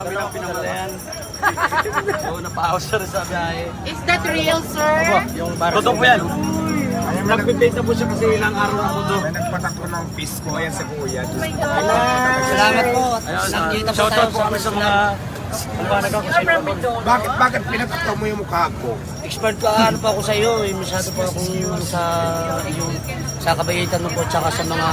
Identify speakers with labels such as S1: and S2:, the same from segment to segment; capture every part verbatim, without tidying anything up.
S1: Kami lang pinamalayan. So, napahawas siya rin sa biyahe.
S2: Is that real, sir?
S1: Yung totoo po yan. Nagpipenta po siya kasi ilang araw na po doon.
S3: May nagpatakbo ng pisko. Ayan sa kuya.
S2: Oh my God!
S4: Salamat po.
S1: Ayun,
S4: Nandito
S1: uh,
S4: po
S1: shoutout
S4: tayo
S1: po kami sa mga kumpanag ako.
S3: Bakit, bakit pinatakbo mo yung mukha ko?
S4: Expert ka ano po ako sa iyo. Eh. Masyado po akong sa yung sa kabaitan mo po tsaka sa mga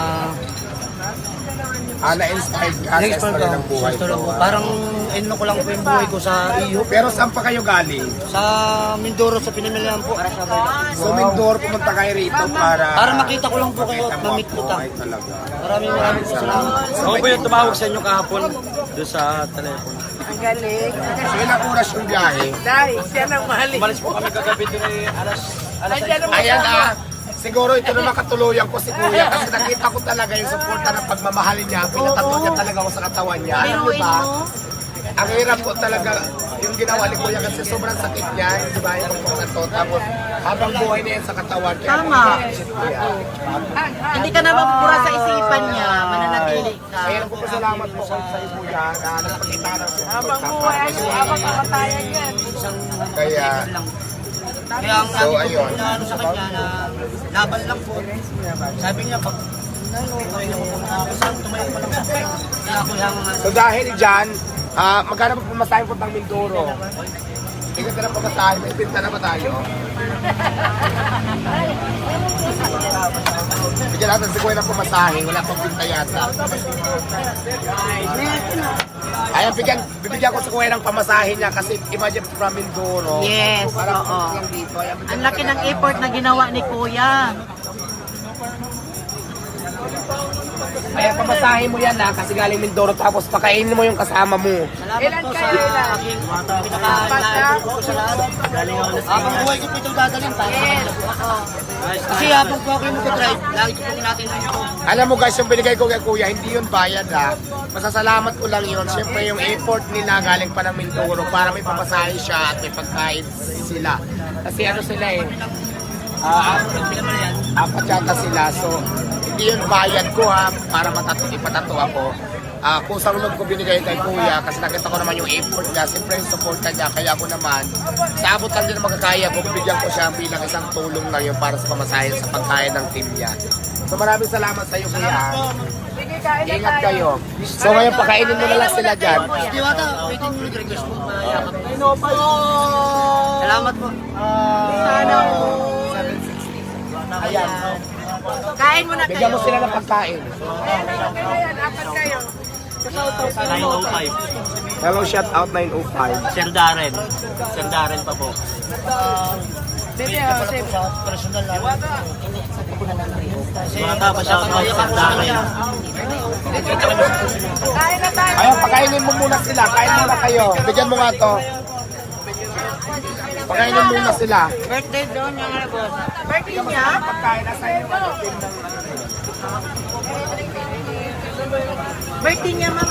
S3: Ah, na-inspired ka sa
S4: expert
S3: story
S4: ko.
S3: ng buhay
S4: Sa story
S3: ko.
S4: ko. Parang ino ko lang po yung buhay ko sa iyo.
S3: Pero saan pa kayo galing?
S4: Sa Mindoro sa pinamilihan po.
S3: So, Mindoro, pumunta kayo rito para...
S4: Para makita ko lang po kayo at
S3: makita mo
S4: mamit
S3: ang
S4: ko ta.
S3: buhay talaga.
S4: Maraming maraming po salamat.
S1: Ako po yung tumawag sa inyo kahapon doon sa telepono.
S2: Ang galing.
S3: So, ilang oras yung biyahe?
S2: Dahil, siya nang mahalin.
S1: Umalis po kami kagabi doon ay alas alas
S2: Andyan ang
S3: Ayan ah, siguro ito na makatuluyan ko si Kuya kasi nakita ko talaga yung suporta ng pagmamahalin niya. Pinatato niya talaga ako sa katawan niya. Alam mo
S2: Biruin
S3: ba?
S2: mo.
S3: Ang hirap ko talaga yung ginawa ni Kuya kasi sobrang sakit niya. Di ba? Yung pagkakato. Tapos habang buhay niya yan sa katawan. Kaya
S2: Tama.
S3: si Kuya.
S2: Hindi ka na mapupura sa isipan niya. Mananatili ka.
S3: Kaya ko pasalamat po sa iyo Kuya na nagpakita ng support.
S2: Habang buhay, habang kamatayan yan.
S3: Kaya
S4: Kaya ang
S3: So,
S4: sabi ko
S3: ayun.
S4: po na ano sa kanya na laban lang po. Sabi niya pag ano, kaya ko na ako saan tumayo pa lang sa kanya. Kaya ako yung mga
S3: So dahil dyan, ah magkano pa pumasahin po ng Mindoro? Ikaw ka na pagkasahin, may pinta na ba tayo? Bigyan natin si Kuya ng pumasahin, wala pang pinta yata. Ayan, bigyan, bibigyan ko si Kuya ng pamasahin niya kasi imagine from Mindoro.
S2: Yes,
S3: Parang
S2: oo.
S3: lang dito. Ayan, bigyan
S2: Ang
S3: ko
S2: laki
S3: siya
S2: ng effort na ginawa ni Kuya.
S3: Ayan, pamasahin mo yan na kasi galing Mindoro tapos pakainin mo yung kasama mo.
S4: salamat po sa aking pinaka-lahat po sa lahat. Habang buhay ko po itong dadalhin para sa kanila po. Kasi habang po ako yung mag-drive, lagi ko po tinatinay ko.
S3: Alam mo guys, yung binigay ko kay Kuya, hindi yun bayad ha. Masasalamat ko lang yun. Siyempre yung effort nila galing pa ng Mindoro para may pamasahe siya at may pagkain sila. Kasi ano sila eh, ah, apat yata sila. So, hindi yun bayad ko ha, para matatu ipatato ako. Ah, kung sa lunod ko binigay kay Kuya, kasi nakita ko naman yung effort niya, siyempre yung support niya, kaya ako naman, sa abot lang din na magkakaya ko, bibigyan ko siya bilang isang tulong lang yun para sa pamasahe sa pagkain ng team niya. So maraming salamat sa iyo Kuya. Ingat kayo. So ngayon pakainin mo na lang sila dyan.
S4: Diwata, waiting mo nag-request mo. Mayakap. Salamat po.
S2: Sana
S3: Ayan.
S2: kain mo na kayo.
S3: Bigyan mo sila ng pagkain.
S1: nine oh five.
S3: Hello, shout out nine oh five.
S1: Sir Darren. Sir Darren pa po.
S2: Bebe, oh, save.
S4: Sa personal lang.
S1: Mga tapa siya ako Sir Darren.
S2: Kain na tayo.
S3: Ayun, pakainin mo muna sila. Kain muna kayo. Bigyan mo nga to. Pakainin muna sila.
S2: Birthday doon yung ano boss. Birthday niya?
S3: Pagkain na sa'yo.
S2: Birthday niya, ma'am.